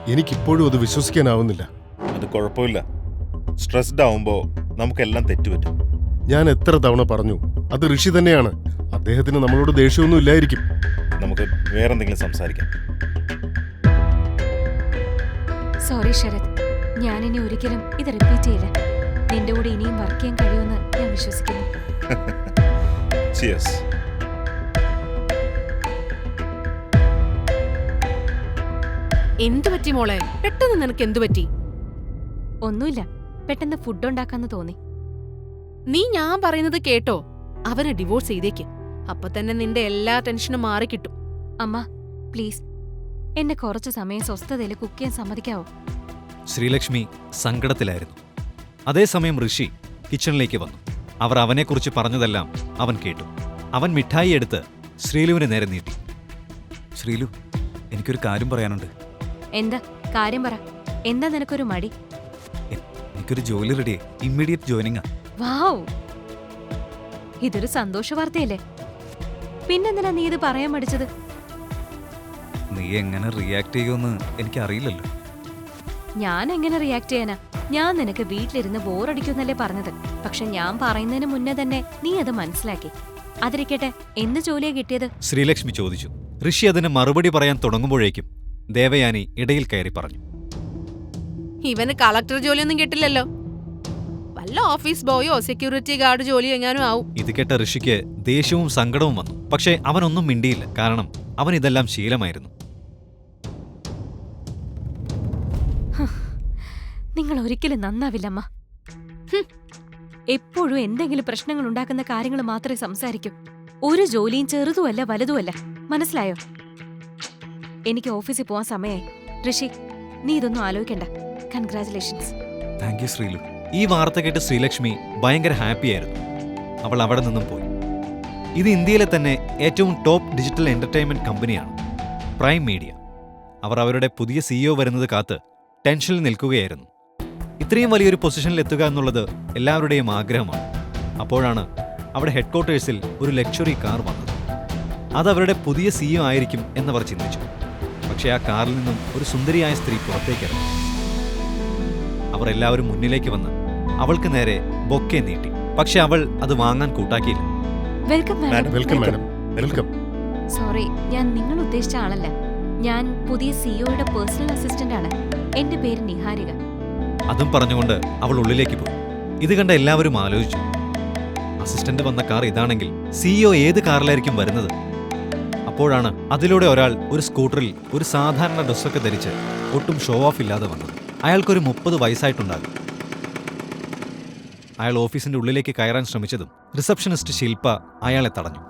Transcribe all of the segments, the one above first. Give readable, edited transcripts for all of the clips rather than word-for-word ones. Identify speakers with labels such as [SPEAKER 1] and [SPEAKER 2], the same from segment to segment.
[SPEAKER 1] എനിക്കിപ്പോഴും അത് വിശ്വസിക്കാനാവുന്നില്ല.
[SPEAKER 2] അത് കുഴപ്പമില്ല. സ്ട്രെസ്ഡ് ആവുമ്പോൾ നമുക്കെല്ലാം തെറ്റുപറ്റും.
[SPEAKER 1] ഞാൻ എത്ര തവണ പറഞ്ഞു, അത് ഋഷി തന്നെയാണ്. അദ്ദേഹത്തിന് നമ്മളോട് ദേഷ്യമൊന്നും ഇല്ലായിരിക്കും.
[SPEAKER 2] നമുക്ക് വേറെന്തെങ്കിലും സംസാരിക്കാം.
[SPEAKER 3] സോറി ശരത്, ഞാനിനി ഒരിക്കലും ഇത് റിപ്പീറ്റ് ചെയ്യില്ല. നിന്റെ കൂടെ ഇനിയും വർക്ക് ചെയ്യാൻ കഴിയുമെന്ന് ഞാൻ വിശ്വസിക്കുന്നു.
[SPEAKER 2] ചിയേഴ്സ്.
[SPEAKER 4] എന്തു പറ്റി മോളെ? പെട്ടെന്ന് നിനക്ക് എന്തു പറ്റി?
[SPEAKER 3] ഒന്നുമില്ല, പെട്ടെന്ന് ഫുഡ് ഉണ്ടാക്കാന്ന് തോന്നി.
[SPEAKER 4] നീ ഞാൻ പറയുന്നത് കേട്ടോ. അവനെ ഡിവോഴ്സ് ചെയ്തേക്ക്. അപ്പൊ തന്നെ നിന്റെ എല്ലാ ടെൻഷനും മാറിക്കിട്ടും.
[SPEAKER 3] അമ്മ പ്ലീസ്, എന്നെ കുറച്ചു സമയം സ്വസ്ഥതയിൽ കുക്ക് ചെയ്യാൻ സമ്മതിക്കാവോ?
[SPEAKER 5] ശ്രീലക്ഷ്മി സങ്കടത്തിലായിരുന്നു. അതേസമയം ഋഷി കിച്ചണിലേക്ക് വന്നു. അവർ അവനെക്കുറിച്ച് പറഞ്ഞതെല്ലാം അവൻ കേട്ടു. അവൻ മിഠായി എടുത്ത് ശ്രീലുവിന് നേരെ നീട്ടി.
[SPEAKER 6] ശ്രീലു, എനിക്കൊരു കാര്യം പറയാനുണ്ട്.
[SPEAKER 3] എന്താ കാര്യം പറ. എന്താ നിനക്കൊരു മടി?
[SPEAKER 6] എനിക്കൊരു ജോലി റെഡിയായി. ഇമ്മീഡിയറ്റ് ജോയിനിങ്ങാ.
[SPEAKER 3] വാവ്, ഇതൊരു സന്തോഷ വാർത്തയല്ലേ? പിന്നെന്തിനാ നീ ഇത് പറയാൻ മടിച്ചത്?
[SPEAKER 6] നീ എങ്ങനെ റിയാക്ട് ചെയ്യുമെന്ന് എനിക്കറിയില്ലല്ലോ.
[SPEAKER 3] ഞാൻ എങ്ങനെ റിയാക്ട് ചെയ്യാനാ? ഞാൻ നിനക്ക് വീട്ടിലിരുന്ന് ബോറടിക്കുന്നല്ലേ പറഞ്ഞത്. പക്ഷെ ഞാൻ പറയുന്നതിന് മുന്നേ തന്നെ നീ അത് മനസ്സിലാക്കി. അതിരിക്കട്ടെ, എന്ത് ജോലിയാ കിട്ടിയത്?
[SPEAKER 5] ശ്രീലക്ഷ്മി ചോദിച്ചു. ഋഷി അതിന് മറുപടി പറയാൻ തുടങ്ങുമ്പോഴേക്കും ദേവയാനി ഇടയിൽ കയറി പറഞ്ഞു.
[SPEAKER 4] ഇവന് കളക്ടർ ജോലിയൊന്നും കിട്ടില്ലല്ലോ. വല്ല ഓഫീസ് ബോയോ സെക്യൂരിറ്റി ഗാർഡ് ജോലിയോ എങ്ങാനും ആവും.
[SPEAKER 5] ഇത് കേട്ട ഋഷിക്ക് ദേഷ്യവും സങ്കടവും വന്നു. പക്ഷേ അവനൊന്നും മിണ്ടിയില്ല. കാരണം അവൻ ഇതെല്ലാം ശീലമായിരുന്നു.
[SPEAKER 3] നിങ്ങൾ ഒരിക്കലും നന്നാവില്ലമ്മ. എപ്പോഴും എന്തെങ്കിലും പ്രശ്നങ്ങൾ ഉണ്ടാക്കുന്ന കാര്യങ്ങൾ മാത്രമേ സംസാരിക്കൂ. ഒരു ജോലിയും ചെറുതുമല്ല വലുതുമല്ല. മനസ്സിലായോ? എനിക്ക് ഓഫീസിൽ പോവാൻ സമയമായി. ഋഷി, നീ ഇതൊന്നും ആലോചിക്കണ്ട. കൺഗ്രാറ്റുലേഷൻസ്.
[SPEAKER 6] Thank you Sreelu.
[SPEAKER 5] ഈ വാർത്ത കേട്ട് ശ്രീലക്ഷ്മി ഭയങ്കര ഹാപ്പിയായിരുന്നു. അവൾ അവിടെ നിന്നും പോയി. ഇത് ഇന്ത്യയിലെ തന്നെ ഏറ്റവും ടോപ്പ് ഡിജിറ്റൽ എന്റർടൈൻമെന്റ് കമ്പനിയാണ്, പ്രൈം മീഡിയ. അവർ അവരുടെ പുതിയ CEO വരുന്നത് കാത്ത് ടെൻഷനിൽ നിൽക്കുകയായിരുന്നു. ഇത്രയും വലിയൊരു പൊസിഷനിൽ എത്തുക എന്നുള്ളത് എല്ലാവരുടെയും ആഗ്രഹമാണ്. അപ്പോഴാണ് അവിടെ ഹെഡ്ക്വാർട്ടേഴ്സിൽ ഒരു ലക്ഷറി കാർ വന്നത്. അത് അവരുടെ പുതിയ CEO ആയിരിക്കും എന്നവർ ചിന്തിച്ചു. പക്ഷേ ആ കാറിൽ നിന്നും ഒരു സുന്ദരിയായ സ്ത്രീ പുറത്തേക്കിറങ്ങി. അവർ എല്ലാവരും മുന്നിലേക്ക് വന്ന് അവൾക്ക് നേരെ ബൊക്കെ നീട്ടി. പക്ഷെ അവൾ അത് വാങ്ങാൻ കൂട്ടാക്കിയില്ല.
[SPEAKER 3] Welcome madam.
[SPEAKER 1] Welcome madam, welcome.
[SPEAKER 3] Sorry, ഞാൻ നിങ്ങൾ ഉദ്ദേശിച്ച ആളല്ല. ഞാൻ പുതിയ CEOയുടെ പേഴ്സണൽ അസിസ്റ്റന്റ് ആണ്. എന്റെ പേര് നിഹാരിക.
[SPEAKER 5] അതും പറഞ്ഞുകൊണ്ട് അവൾ ഉള്ളിലേക്ക് പോയി. ഇത് കണ്ട എല്ലാവരും ആലോചിച്ചു, അസിസ്റ്റന്റ് വന്ന കാർ ഇതാണെങ്കിൽ CEO ഏത് കാറിലായിരിക്കും വരുന്നത്? അപ്പോഴാണ് അതിലൂടെ ഒരാൾ ഒരു സ്കൂട്ടറിൽ ഒരു സാധാരണ ഡ്രസ്സൊക്കെ ധരിച്ച് ഒട്ടും ഷോ ഓഫ് ഇല്ലാതെ വന്നത്. അയാൾക്കൊരു 30 വയസ്സായിട്ടുണ്ടാകും. അയാൾ ഓഫീസിന്റെ ഉള്ളിലേക്ക് കയറാൻ ശ്രമിച്ചതും റിസപ്ഷനിസ്റ്റ് ശില്പ അയാളെ തടഞ്ഞു.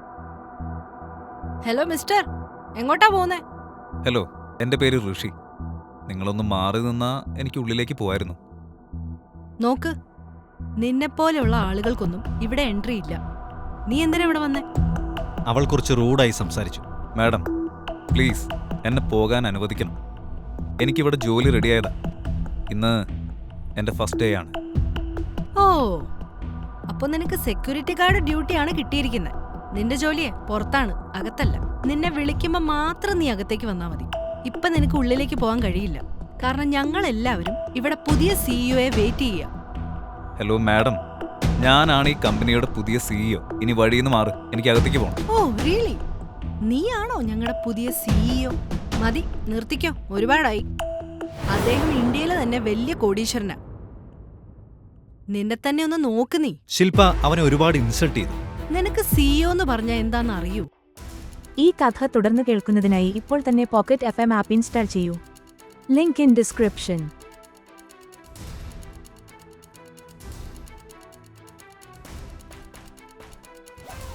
[SPEAKER 4] ഹലോ മിസ്റ്റർ, എങ്ങോട്ടാ പോകുന്നേ?
[SPEAKER 6] ഹലോ, എൻ്റെ പേര് ഋഷി. നിങ്ങളൊന്ന് മാറി നിന്നാ എനിക്ക് ഉള്ളിലേക്ക് പോവായിരുന്നു.
[SPEAKER 4] നോക്ക്, നിന്നെപ്പോലെയുള്ള ആളുകൾക്കൊന്നും ഇവിടെ എൻട്രി ഇല്ല. നീ എന്തിനാ ഇവിടെ വന്നേ?
[SPEAKER 5] അവൾ കുറച്ച് റൂഡായി സംസാരിച്ചു.
[SPEAKER 6] മാഡം, പ്ലീസ് എന്നെ പോകാൻ അനുവദിക്കണം. എനിക്കിവിടെ ജോലി റെഡിയായതാ. ഇന്ന് എൻ്റെ ഫസ്റ്റ് ഡേ ആണ്.
[SPEAKER 4] ഓ, അപ്പൊ നിനക്ക് സെക്യൂരിറ്റി ഗാർഡ് ഡ്യൂട്ടിയാണ് കിട്ടിയിരിക്കുന്നത്. നിന്റെ ജോലിയെ പുറത്താണ്, അകത്തല്ല. നിന്നെ വിളിക്കുമ്പോ മാത്രം നീ അകത്തേക്ക് വന്നാ മതി. ഇപ്പൊ നിനക്ക് ഉള്ളിലേക്ക് പോകാൻ കഴിയില്ല. കാരണം ഞങ്ങൾ എല്ലാവരും ഇവിടെ പുതിയ CEOയെ വെയിറ്റ് ചെയ്യാം.
[SPEAKER 6] ഹലോ മാഡം, ഞാനാണ് ഈ കമ്പനിയുടെ പുതിയ CEO. ഇനി വഴിയിൽ മാറ്, എനിക്ക് അകത്തേക്ക് പോകണം.
[SPEAKER 4] Oh really? നീയാണോ ഞങ്ങളുടെ പുതിയ CEO? മതി, നിർത്തിക്കോ, ഒരുപാടായി. അദ്ദേഹം ഇന്ത്യയിലെ തന്നെ വലിയ കോടീശ്വരനാ. നിന്നെ തന്നെ ഒന്ന് നോക്ക് നീ.
[SPEAKER 5] ശില്പ അവനെ ഒരുപാട് ഇൻസൾട്ട് ചെയ്തു.
[SPEAKER 4] നിനക്ക് CEO എന്ന് പറഞ്ഞാ എന്താന്ന് അറിയൂ?
[SPEAKER 7] ഈ കഥ തുടർന്ന് കേൾക്കുന്നതിനായി ഇപ്പോൾ തന്നെ പോക്കറ്റ് FM ആപ്പ് ഇൻസ്റ്റാൾ ചെയ്യൂ. Link in description.